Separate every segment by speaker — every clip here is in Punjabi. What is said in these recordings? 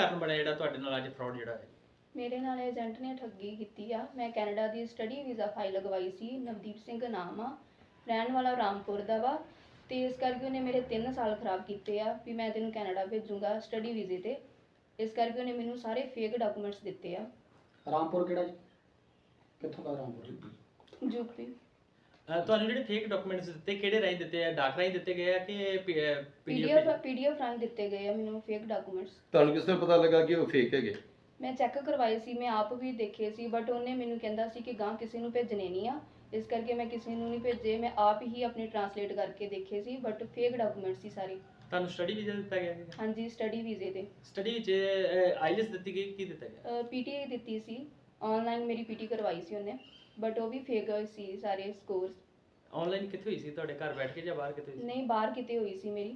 Speaker 1: ਕਾਰਨ ਬਣਿਆ ਜਿਹੜਾ ਤੁਹਾਡੇ ਨਾਲ ਅੱਜ ਫਰਾਡ ਜਿਹੜਾ ਹੈ?
Speaker 2: ਮੇਰੇ ਨਾਲ ਏਜੰਟ ਨੇ ਠੱਗੀ ਕੀਤੀ ਆ। ਮੈਂ ਕੈਨੇਡਾ ਦੀ ਸਟੱਡੀ ਵੀਜ਼ਾ ਫਾਈਲ ਲਗਵਾਈ ਸੀ। ਨਵਦੀਪ ਸਿੰਘ ਨਾਮ ਆ, ਰਹਿਣ ਵਾਲਾ ਰਾਮਪੁਰ ਦਾ ਵਾ, ਤੇ ਇਸ ਕਰਕੇ ਉਹਨੇ ਮੇਰੇ 3 ਸਾਲ ਖਰਾਬ ਕੀਤੇ ਆ ਵੀ ਮੈਂ ਤੈਨੂੰ ਕੈਨੇਡਾ ਭੇਜੂੰਗਾ ਸਟੱਡੀ ਵੀਜ਼ੇ ਤੇ। ਇਸ ਕਰਕੇ ਉਹਨੇ ਮੈਨੂੰ ਸਾਰੇ ਫੇਕ ਡਾਕੂਮੈਂਟਸ ਦਿੱਤੇ ਆ।
Speaker 3: ਰਾਮਪੁਰ ਕਿਹੜਾ ਜੀ? ਕਿੱਥੋਂ ਦਾ ਰਾਮਪੁਰ?
Speaker 2: ਯੂਪੀ।
Speaker 1: ਤੁਹਾਨੂੰ ਜਿਹੜੇ ਫੇਕ ਡਾਕੂਮੈਂਟਸ ਦਿੱਤੇ ਕਿਹੜੇ ਰਾਹੀਂ ਦਿੱਤੇ ਆ? ਡਾਕ ਰਾਹੀਂ ਦਿੱਤੇ ਗਏ ਆ ਕਿ
Speaker 2: ਪੀਡੀਐਫ ਰਾਹੀਂ ਦਿੱਤੇ ਗਏ ਆ ਮੈਨੂੰ ਫੇਕ ਡਾਕੂਮੈਂਟਸ।
Speaker 4: ਤੁਹਾਨੂੰ ਕਿਸ ਤਰ੍ਹਾਂ ਪਤਾ ਲੱਗਾ ਕਿ ਉਹ ਫੇਕ ਹੈਗੇ?
Speaker 2: ਮੈਂ ਚੈੱਕ ਕਰਵਾਏ ਸੀ, ਮੈਂ ਆਪ ਵੀ ਦੇਖੇ ਸੀ, ਬਟ ਉਹਨੇ ਮੈਨੂੰ ਕਹਿੰਦਾ ਸੀ ਕਿ ਗਾਂ ਕਿਸੇ ਨੂੰ ਭੇਜਣੇ ਨਹੀਂ ਆ, ਇਸ ਕਰਕੇ ਮੈਂ ਕਿਸੇ ਨੂੰ ਨਹੀਂ ਭੇਜੇ। ਮੈਂ ਆਪ ਹੀ ਆਪਣੀ ਟਰਾਂਸਲੇਟ ਕਰਕੇ ਦੇਖੇ ਸੀ, ਬਟ ਫੇਕ ਡਾਕੂਮੈਂਟਸ ਸੀ ਸਾਰੇ।
Speaker 1: ਤੁਹਾਨੂੰ ਸਟੱਡੀ ਵੀਜ਼ਾ ਦਿੱਤਾ ਗਿਆ ਹੈ?
Speaker 2: ਹਾਂਜੀ, ਸਟੱਡੀ ਵੀਜ਼ੇ ਤੇ।
Speaker 1: ਸਟੱਡੀ ਵਿੱਚ ਆਈਲੈਟਸ ਦਿੱਤੀ ਗਈ, ਕੀ ਦਿੱਤਾ ਗਿਆ?
Speaker 2: ਪੀਟੀ ਦਿੱਤੀ ਸੀ, ਆਨਲਾਈਨ ਮੇਰੀ ਪੀਟੀ ਕਰਵਾਈ ਸੀ ਉਹਨੇ, ਬਟ ਉਹ ਵੀ ਫੇਕ ਸੀ ਸਾਰੇ ਸਕੋਰਸ।
Speaker 1: ਆਨਲਾਈਨ ਕਿੱਥੇ ਹੋਈ ਸੀ? ਤੁਹਾਡੇ ਘਰ ਬੈਠ ਕੇ ਜਾਂ ਬਾਹਰ ਕਿਤੇ ਹੋਈ ਸੀ?
Speaker 2: ਨਹੀਂ, ਬਾਹਰ ਕਿਤੇ ਹੋਈ ਸੀ ਮੇਰੀ।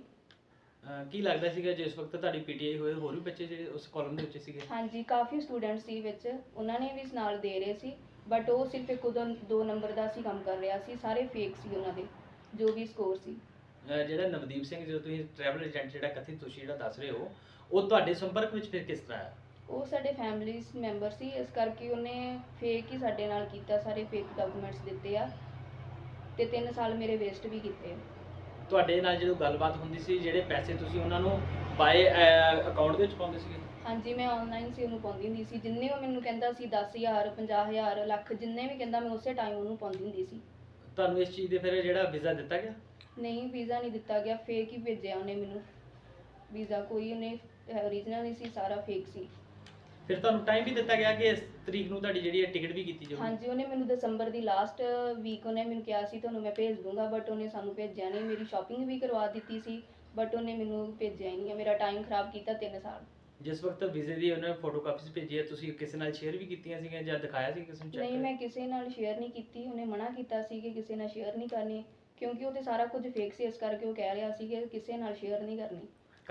Speaker 1: ਕੀ ਲੱਗਦਾ ਸੀਗਾ ਜਿਸ ਵਕਤ ਤੁਹਾਡੀ ਪੀਟੀਆਈ ਹੋਏ ਹੋਰ ਵੀ ਬੱਚੇ ਜਿਹੜੇ ਉਸ ਕਾਲਮ ਦੇ ਵਿੱਚ ਸੀਗੇ?
Speaker 2: ਹਾਂਜੀ, ਕਾਫੀ ਸਟੂਡੈਂਟ ਸੀ ਵਿੱਚ, ਉਹਨਾਂ ਨੇ ਵੀ ਨਾਲ ਦੇ ਰਹੇ ਸੀ, ਬਟ ਉਹ ਸਿਰਫ ਇੱਕ ਦੋ ਨੰਬਰ ਦਾ ਸੀ ਕੰਮ ਕਰ ਰਿਹਾ ਸੀ। ਸਾਰੇ ਫੇਕ ਸੀ ਉਹਨਾਂ ਦੇ ਜੋ ਵੀ ਸਕੋਰ ਸੀ।
Speaker 1: ਜਿਹੜਾ ਨਵਦੀਪ ਸਿੰਘ ਜੋ ਤੁਸੀਂ ਟਰੈਵਲ ਏਜੰਟ ਜਿਹੜਾ ਕਥਿਤ ਤੁਸੀਂ ਜਿਹੜਾ ਦੱਸ ਰਹੇ ਹੋ, ਉਹ ਤੁਹਾਡੇ ਸੰਪਰਕ ਵਿੱਚ ਫਿਰ ਕਿਸ ਤਰ੍ਹਾਂ ਆਇਆ?
Speaker 2: ਉਹ ਸਾਡੇ ਫੈਮਿਲੀ ਮੈਂਬਰ ਸੀ, ਇਸ ਕਰਕੇ ਉਹਨੇ ਫੇਕ ਹੀ ਸਾਡੇ ਨਾਲ ਕੀਤਾ, ਸਾਰੇ ਫੇਕ ਡਾਕੂਮੈਂਟਸ ਦਿੱਤੇ ਆ ਤੇ 3 ਸਾਲ ਮੇਰੇ ਵੇਸਟ ਵੀ ਕੀਤੇ ਆ।
Speaker 1: ਤੁਹਾਡੇ ਨਾਲ ਜਦੋਂ ਗੱਲਬਾਤ ਹੁੰਦੀ ਸੀ, ਜਿਹੜੇ ਪੈਸੇ ਤੁਸੀਂ ਉਹਨਾਂ ਨੂੰ ਬਾਏ ਅਕਾਊਂਟ ਦੇ ਵਿੱਚ ਪਾਉਂਦੇ ਸੀਗੇ?
Speaker 2: ਹਾਂਜੀ, ਮੈਂ ਆਨਲਾਈਨ ਸੀ ਉਹਨੂੰ ਪਾਉਂਦੀ ਹੁੰਦੀ ਸੀ। ਜਿੰਨੇ ਉਹ ਮੈਨੂੰ ਕਹਿੰਦਾ ਸੀ 10,000 50,000 ਲੱਖ, ਜਿੰਨੇ ਵੀ ਕਹਿੰਦਾ ਮੈਂ ਉਸੇ ਟਾਈਮ ਉਹਨੂੰ ਪਾਉਂਦੀ ਹੁੰਦੀ ਸੀ।
Speaker 1: ਤੁਹਾਨੂੰ ਇਸ ਚੀਜ਼ ਦੇ ਫਿਰ ਜਿਹੜਾ ਵੀਜ਼ਾ ਦਿੱਤਾ ਗਿਆ?
Speaker 2: ਨਹੀਂ, ਵੀਜ਼ਾ ਨਹੀਂ ਦਿੱਤਾ ਗਿਆ, ਫੇਕ ਹੀ ਭੇਜਿਆ ਉਹਨੇ ਮੈਨੂੰ ਵੀਜ਼ਾ। ਕੋਈ ਉਹਨੇ ਓਰੀਜਨਲ ਨਹੀਂ ਸੀ, ਸਾਰਾ ਫੇਕ ਸੀ।
Speaker 1: ਫਿਰ ਤੁਹਾਨੂੰ ਟਾਈਮ ਵੀ ਦਿੱਤਾ ਗਿਆ ਕਿ ਇਸ ਤਰੀਕ ਨੂੰ ਤੁਹਾਡੀ ਜਿਹੜੀ ਹੈ ਟਿਕਟ ਵੀ ਕੀਤੀ ਜਾਊਗੀ?
Speaker 2: ਹਾਂਜੀ, ਉਹਨੇ ਮੈਨੂੰ ਦਸੰਬਰ ਦੀ ਲਾਸਟ ਵੀਕ ਉਹਨੇ ਮੈਨੂੰ ਕਿਹਾ ਸੀ ਤੁਹਾਨੂੰ ਮੈਂ ਭੇਜ ਦੂੰਗਾ, ਬਟ ਉਹਨੇ ਸਾਨੂੰ ਭੇਜਿਆ ਨਹੀਂ। ਮੇਰੀ ਸ਼ਾਪਿੰਗ ਵੀ ਕਰਵਾ ਦਿੱਤੀ ਸੀ, ਬਟ ਉਹਨੇ ਮੈਨੂੰ ਭੇਜਿਆ ਹੀ ਨਹੀਂ। ਮੇਰਾ ਟਾਈਮ ਖਰਾਬ ਕੀਤਾ 3 ਸਾਲ।
Speaker 1: ਜਿਸ ਵਕਤ ਵੀਜ਼ੇ ਦੀ ਉਹਨੇ ਫੋਟੋ ਕਾਪੀਸ ਭੇਜੀ ਹੈ, ਤੁਸੀਂ ਕਿਸੇ ਨਾਲ ਸ਼ੇਅਰ ਵੀ ਕੀਤੀਆਂ ਸੀਗੀਆਂ ਜਾਂ ਦਿਖਾਇਆ ਸੀ ਕਿਸੇ ਨੂੰ ਚੈੱਕ?
Speaker 2: ਨਹੀਂ, ਮੈਂ ਕਿਸੇ ਨਾਲ ਸ਼ੇਅਰ ਨਹੀਂ ਕੀਤੀ। ਉਹਨੇ ਮਨਾ ਕੀਤਾ ਸੀ ਕਿ ਕਿਸੇ ਨਾਲ ਸ਼ੇਅਰ ਨਹੀਂ ਕਰਨੀ, ਕਿਉਂਕਿ ਉਹ ਤੇ ਸਾਰਾ ਕੁਝ ਫੇਕ ਸੀ, ਇਸ ਕਰਕੇ ਉਹ ਕਹਿ ਰਿਹਾ ਸੀ ਕਿ ਕਿਸੇ ਨਾਲ ਸ਼ੇਅਰ ਨਹੀਂ ਕਰਨੀ।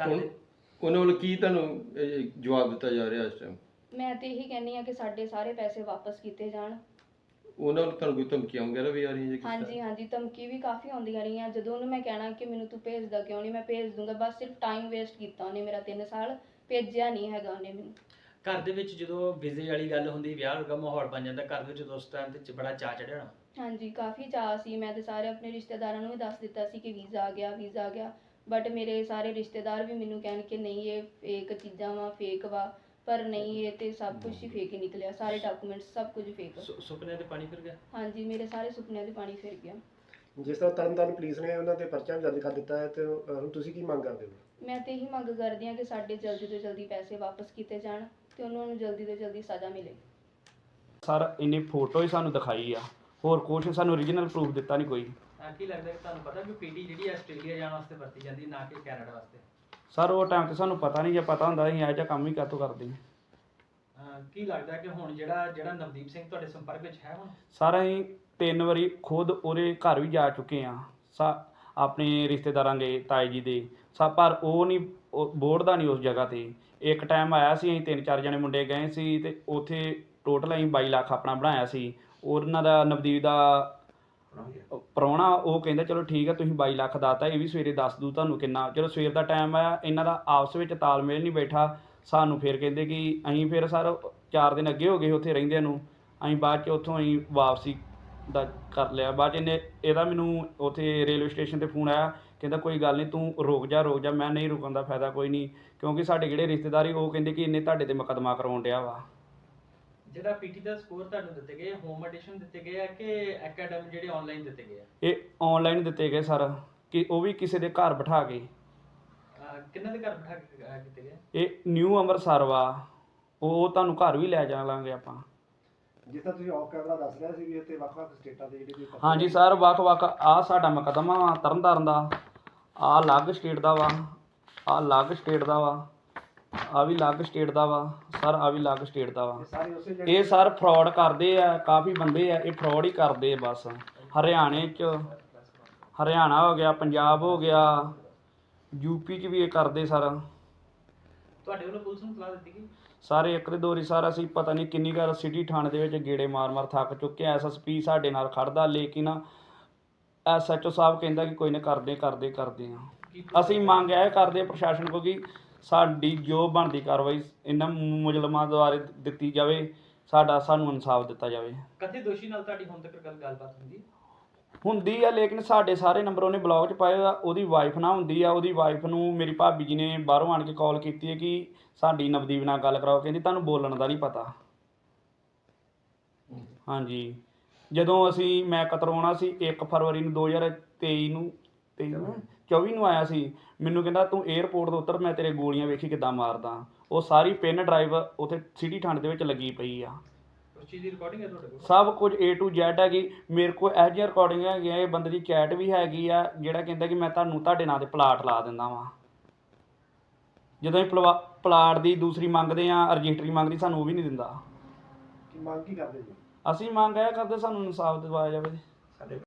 Speaker 4: ਉਹਨਾਂ ਵੱਲੋਂ ਕੀ ਤੁਹਾਨੂੰ ਜਵਾਬ ਦਿੱਤਾ ਜਾ ਰਿਹਾ ਇਸ ਟਾਈਮ?
Speaker 2: ਮੈਂ ਤੇ ਇਹੀ ਕਹਿੰਦੀ ਆ ਕਿ ਸਾਡੇ ਸਾਰੇ ਪੈਸੇ ਵਾਪਸ ਕੀਤੇ ਜਾਣ।
Speaker 4: ਉਹਨਾਂ ਵੱਲੋਂ ਤੁਹਾਨੂੰ ਕੋਈ ਧਮਕੀਆਂ ਵਗੈਰਾ ਵੀ ਆ ਰਹੀਆਂ ਜੀ?
Speaker 2: ਹਾਂਜੀ, ਧਮਕੀ ਵੀ ਕਾਫੀ ਆਉਂਦੀਆਂ ਰਹੀਆਂ। ਜਦੋਂ ਉਹਨੂੰ ਮੈਂ ਕਹਿਣਾ ਕਿ ਮੈਨੂੰ ਤੂੰ ਭੇਜਦਾ ਕਿਉਂ ਨਹੀਂ, ਮੈਂ ਭੇਜ ਦੂੰਗਾ, ਬਸ ਸਿਰਫ ਟਾਈਮ ਵੇਸਟ ਕੀਤਾ ਉਹਨੇ ਮੇਰਾ। 3 ਸਾਲ ਭੇਜਿਆ ਨਹੀਂ ਹੈਗਾ ਉਹਨੇ ਮੈਨੂੰ।
Speaker 1: ਘਰ ਦੇ ਵਿੱਚ ਜਦੋਂ ਵੀਜ਼ੇ ਵਾਲੀ ਗੱਲ ਹੁੰਦੀ, ਵਿਆਹ ਵਰਗਾ ਮਾਹੌਲ ਬਣ ਜਾਂਦਾ ਘਰ ਦੇ ਵਿੱਚ, ਉਸ ਟਾਈਮ ਤੇ ਬੜਾ ਚਾਅ ਚੜਿਆ ਹੋਣਾ?
Speaker 2: ਹਾਂਜੀ, ਕਾਫੀ ਚਾਅ ਸੀ। ਮੈਂ ਤੇ ਸਾਰੇ ਆਪਣੇ ਰਿਸ਼ਤੇਦਾਰਾਂ ਨੂੰ ਵੀ ਦੱਸ ਦਿੱਤਾ ਸੀ ਕਿ ਵੀਜ਼ਾ ਆ ਗਿਆ, ਬਟ ਮੇਰੇ ਸਾਰੇ ਰਿਸ਼ਤੇਦਾਰ ਵੀ ਮੈਨੂੰ ਕਹਿਣ ਕਿ ਨਹੀਂ ਇਹ ਫੇਕ ਚੀਜ਼ਾਂ ਵਾ, ਫੇਕ ਵਾ, ਪਰ ਨਹੀਂ, ਇਹ ਤੇ ਸਭ ਕੁਝ ਹੀ ਫੇਕ ਹੀ ਨਿਕਲਿਆ। ਸਾਰੇ ਡਾਕੂਮੈਂਟਸ ਸਭ ਕੁਝ ਫੇਕ।
Speaker 1: ਸੁਪਨਿਆਂ ਤੇ ਪਾਣੀ ਫਿਰ ਗਿਆ?
Speaker 2: ਹਾਂਜੀ, ਮੇਰੇ ਸਾਰੇ ਸੁਪਨਿਆਂ 'ਤੇ ਪਾਣੀ ਫਿਰ ਗਿਆ।
Speaker 5: ਜਿਸ ਤਰ੍ਹਾਂ ਤਰਨਤਾਰਨ ਪੁਲਿਸ ਨੇ ਉਹਨਾਂ ਤੇ ਪਰਚਾ ਵੀ ਦਰਜ ਕਰ ਦਿੱਤਾ ਹੈ, ਤੇ ਹੁਣ ਤੁਸੀਂ ਕੀ ਮੰਗ ਕਰਦੇ ਹੋ?
Speaker 2: ਮੈਂ ਤੇ ਇਹੀ ਮੰਗ ਕਰਦੀ ਹਾਂ ਕਿ ਸਾਡੇ ਜਲਦੀ ਤੋਂ ਜਲਦੀ ਪੈਸੇ ਵਾਪਸ ਕੀਤੇ ਜਾਣ ਤੇ ਉਹਨਾਂ ਨੂੰ ਜਲਦੀ ਤੋਂ ਜਲਦੀ ਸਜ਼ਾ ਮਿਲੇ।
Speaker 6: ਸਰ ਇਹਨੇ ਫੋਟੋ ਹੀ ਸਾਨੂੰ ਦਿਖਾਈ ਆ, ਹੋਰ ਕੁਛ ਸਾਨੂੰ ਓਰੀਜਨਲ ਪ੍ਰੂਫ ਦਿੱਤਾ ਨਹੀਂ ਕੋਈ।
Speaker 1: ਕੀ ਲੱਗਦਾ ਕਿ ਤੁਹਾਨੂੰ ਪਤਾ ਕਿ ਪੀਟੀ ਜਿਹੜੀ ਆਸਟ੍ਰੇਲੀਆ ਜਾਣ ਵਾਸਤੇ ਵਰਤੀ ਜਾਂਦੀ, ਨਾ ਕਿ ਕੈਨੇਡਾ ਵਾਸਤੇ?
Speaker 6: ਸਰ ਉਹ ਟਾਈਮ ਤੇ ਸਾਨੂੰ ਪਤਾ ਨਹੀਂ, ਜੇ ਪਤਾ ਹੁੰਦਾ ਅਸੀਂ ਇਹੋ ਜਿਹਾ ਕੰਮ ਹੀ ਕਾਹਤੋਂ ਕਰਦੇ ਹਾਂ।
Speaker 1: ਕੀ ਲੱਗਦਾ ਕਿ ਹੁਣ ਜਿਹੜਾ ਨਵਦੀਪ ਸਿੰਘ ਤੁਹਾਡੇ ਸੰਪਰਕ ਵਿੱਚ ਹੈ ਹੁਣ?
Speaker 6: ਸਰ ਅਸੀਂ 3 ਵਾਰੀ ਖੁਦ ਉਹਦੇ ਘਰ ਵੀ ਜਾ ਚੁੱਕੇ ਆ, ਆਪਣੇ ਰਿਸ਼ਤੇਦਾਰਾਂ ਦੇ, ਤਾਏ ਜੀ ਦੇ, ਪਰ ਉਹ ਨਹੀਂ ਬੋੜਦਾ ਨਹੀਂ ਉਸ ਜਗ੍ਹਾ ਤੇ। ਇੱਕ ਟਾਈਮ ਆਇਆ ਸੀ, ਅਸੀਂ 3-4 ਜਣੇ ਮੁੰਡੇ ਗਏ ਸੀ ਤੇ ਉੱਥੇ ਟੋਟਲ ਅਸੀਂ 22 ਲੱਖ ਆਪਣਾ ਬਣਾਇਆ ਸੀ। ਉਹਨਾਂ ਦਾ ਨਵਦੀਪ ਦਾ ਪ੍ਰਾਹੁਣਾ ਉਹ ਕਹਿੰਦਾ ਚਲੋ ਠੀਕ ਹੈ ਤੁਸੀਂ 22 ਲੱਖ ਦਾਤਾ, ਇਹ ਵੀ ਸਵੇਰੇ ਦੱਸ ਦੂ ਤੁਹਾਨੂੰ ਕਿੰਨਾ। ਚਲੋ ਸਵੇਰ ਦਾ ਟਾਈਮ ਆਇਆ, ਇਹਨਾਂ ਦਾ ਆਪਸ ਵਿੱਚ ਤਾਲਮੇਲ ਨਹੀਂ ਬੈਠਾ। ਸਾਨੂੰ ਫਿਰ ਕਹਿੰਦੇ ਕਿ ਅਸੀਂ ਫਿਰ ਸਰ 4 ਦਿਨ ਅੱਗੇ ਹੋ ਗਏ ਉੱਥੇ ਰਹਿੰਦਿਆਂ ਨੂੰ। ਅਸੀਂ ਬਾਅਦ 'ਚ ਉੱਥੋਂ ਅਸੀਂ ਵਾਪਸੀ ਦਾ ਕਰ ਲਿਆ। ਬਾਅਦ 'ਚ ਇਹਦਾ ਮੈਨੂੰ ਉੱਥੇ ਰੇਲਵੇ ਸਟੇਸ਼ਨ 'ਤੇ ਫੋਨ ਆਇਆ, ਕਹਿੰਦਾ ਕੋਈ ਗੱਲ ਨਹੀਂ ਤੂੰ ਰੁਕ ਜਾ। ਮੈਂ ਨਹੀਂ ਰੁਕਣ ਦਾ ਫਾਇਦਾ ਕੋਈ ਨਹੀਂ, ਕਿਉਂਕਿ ਸਾਡੇ ਜਿਹੜੇ ਰਿਸ਼ਤੇਦਾਰ ਉਹ ਕਹਿੰਦੇ ਕਿ ਇਹਨੇ ਤੁਹਾਡੇ 'ਤੇ ਮੁਕੱਦਮਾ ਕਰਵਾਉਣ ਡਿਆ ਵਾ।
Speaker 1: ਜਿਹੜਾ ਪੀਟੀ ਦਾ ਸਕੋਰ ਤੁਹਾਨੂੰ ਦਿੱਤੇ ਗਏ, ਹੋਮ ਐਡੀਸ਼ਨ ਦਿੱਤੇ ਗਏ ਆ ਕਿ ਅਕੈਡਮੀ ਜਿਹੜੇ ਆਨਲਾਈਨ ਦਿੱਤੇ ਗਏ ਆ?
Speaker 6: ਇਹ ਆਨਲਾਈਨ ਦਿੱਤੇ ਗਏ ਸਰ, ਕਿ ਉਹ ਵੀ ਕਿਸੇ ਦੇ ਘਰ ਬਿਠਾ ਕੇ।
Speaker 1: ਕਿੰਨਾਂ ਦੇ ਘਰ ਬਿਠਾ ਕੇ ਕੀਤੇ ਗਏ?
Speaker 6: ਇਹ ਨਿਊ ਅੰਮ੍ਰਿਤਸਰ ਵਾ, ਉਹ ਤੁਹਾਨੂੰ ਘਰ ਵੀ ਲੈ ਜਾਵਾਂਗੇ ਆਪਾਂ।
Speaker 5: ਜਿਸ ਤਰ੍ਹਾਂ ਤੁਸੀਂ ਆਫ ਕੈਮਰਾ ਦੱਸ ਰਿਹਾ ਸੀ ਵੀ ਇੱਥੇ ਵੱਖ-ਵੱਖ ਸਟੇਟਾਂ ਦੇ ਜਿਹੜੇ ਵੀ
Speaker 6: ਹਾਂਜੀ ਸਰ, ਵੱਖ-ਵੱਖ ਆ ਸਾਡਾ ਮੁਕੱਦਮਾ ਵਾ ਤਰਨਤਾਰਨ ਦਾ, ਆ ਅਲੱਗ ਸਟੇਟ ਦਾ ਵਾ, ਆ ਅਲੱਗ ਸਟੇਟ ਦਾ ਵਾ, ਆ ਵੀ ਅਲੱਗ ਸਟੇਟ ਦਾ ਵਾ ਸਰ, ਆ ਵੀ ਅਲੱਗ ਸਟੇਟ ਦਾ ਵਾ। ਇਹ ਸਰ ਫਰਾਡ ਕਰਦੇ ਆ, ਕਾਫੀ ਬੰਦੇ ਆ ਇਹ ਫਰਾਡ ਹੀ ਕਰਦੇ ਆ ਬਸ। ਹਰਿਆਣੇ 'ਚ, ਹਰਿਆਣਾ ਹੋ ਗਿਆ, ਪੰਜਾਬ ਹੋ ਗਿਆ, ਯੂਪੀ 'ਚ ਵੀ ਇਹ ਕਰਦੇ ਸਰ।
Speaker 1: ਤੁਹਾਡੇ ਵੱਲੋਂ ਪੁਲਿਸ ਨੂੰ ਸਲਾਹ ਦਿੱਤੀ ਗਈ?
Speaker 6: ਸਾਰੇ ਇੱਕ ਦੇ ਦੋ ਵਾਰੀ ਸਰ ਅਸੀਂ ਪਤਾ ਨਹੀਂ ਕਿੰਨੀ ਵਾਰ ਸਿਟੀ ਥਾਣੇ ਦੇ ਵਿੱਚ ਗੇੜੇ ਮਾਰ ਥੱਕ ਚੁੱਕੇ ਆ। SSP ਸਾਡੇ ਨਾਲ ਖੜਦਾ, ਲੇਕਿਨ SHO ਸਾਹਿਬ ਕਹਿੰਦਾ ਕਿ ਕੋਈ ਨਾ ਕਰਦੇ ਆ। ਅਸੀਂ ਮੰਗ ਇਹ ਕਰਦੇ ਆ ਪ੍ਰਸ਼ਾਸਨ ਕੋਲ ਕਿ ਸਾਡੀ ਜੋ ਬਣਦੀ ਕਾਰਵਾਈ ਇਹਨਾਂ ਮੁਜਰਮਾਂ ਦੁਆਰਾ ਦਿੱਤੀ ਜਾਵੇ, ਸਾਨੂੰ ਇਨਸਾਫ ਦਿੱਤਾ ਜਾਵੇ।
Speaker 1: ਕਥਿਤ ਦੋਸ਼ੀ ਨਾਲ ਤੁਹਾਡੀ ਹੁਣ ਤੱਕ ਗੱਲਬਾਤ
Speaker 6: ਹੁੰਦੀ ਆ, ਲੇਕਿਨ ਸਾਡੇ ਸਾਰੇ ਨੰਬਰ ਉਹਨੇ ਬਲੌਕ 'ਚ ਪਾਏ ਆ। ਉਹਦੀ ਵਾਈਫ ਨਾਲ ਹੁੰਦੀ ਆ। ਉਹਦੀ ਵਾਈਫ ਨੂੰ ਮੇਰੀ ਭਾਬੀ ਜੀ ਨੇ ਬਾਹਰੋਂ ਆਣ ਕੇ ਕਾਲ ਕੀਤੀ ਹੈ ਕਿ ਸਾਡੀ ਨਵਦੀਪ ਨਾਲ ਗੱਲ ਕਰਾਓ। ਕਹਿੰਦੀ ਤੁਹਾਨੂੰ ਬੋਲਣ ਦਾ ਨਹੀਂ ਪਤਾ। ਹਾਂਜੀ, ਜਦੋਂ ਮੈਂ ਕਤਰੋਣਾ ਸੀ 1 ਫਰਵਰੀ ਨੂੰ 2024 ਨੂੰ ਆਇਆ ਸੀ, ਮੈਨੂੰ ਕਹਿੰਦਾ ਤੂੰ 에ਅਰਪੋਰਟ ਤੋਂ ਉਤਰ, ਮੈਂ ਤੇਰੇ ਗੋਲੀਆਂ ਵੇਖੀ ਕਿੱਦਾਂ ਮਾਰਦਾ। ਉਹ ਸਾਰੀ ਪਿੰਨ ਡਰਾਈਵ ਉੱਥੇ ਸਿਟੀ ਥਾਣੇ ਦੇ ਵਿੱਚ ਲੱਗੀ ਪਈ ਆ।
Speaker 1: ਉਸ ਚੀਜ਼ ਦੀ ਰਿਕਾਰਡਿੰਗ ਹੈ ਤੁਹਾਡੇ ਕੋਲ?
Speaker 6: ਸਭ ਕੁਝ A to Z ਹੈਗੀ ਮੇਰੇ ਕੋਲ। ਇਹੋ ਜਿਹੀਆਂ ਰਿਕਾਰਡਿੰਗ ਹੈਗੀਆਂ। ਇਹ ਬੰਦੇ ਦੀ ਚੈਟ ਵੀ ਹੈਗੀ ਆ ਜਿਹੜਾ ਕਹਿੰਦਾ ਕਿ ਮੈਂ ਤੁਹਾਡੇ ਨਾਂ 'ਤੇ ਪਲਾਟ ਲਾ ਦਿੰਦਾ ਵਾਂ। ਜਦੋਂ ਅਸੀਂ ਪਲਾਟ ਦੀ ਦੂਸਰੀ ਮੰਗਦੇ ਆ, ਰਜਿਸਟਰੀ ਮੰਗਦੀ, ਸਾਨੂੰ ਉਹ ਵੀ ਨਹੀਂ ਦਿੰਦਾ।
Speaker 5: ਕੀ ਮੰਗ ਕੀ ਕਰਦੇ ਜੀ?
Speaker 6: ਅਸੀਂ ਮੰਗ ਇਹ ਕਰਦੇ ਸਾਨੂੰ ਇਨਸਾਫ ਦਿਵਾਇਆ ਜਾਵੇ।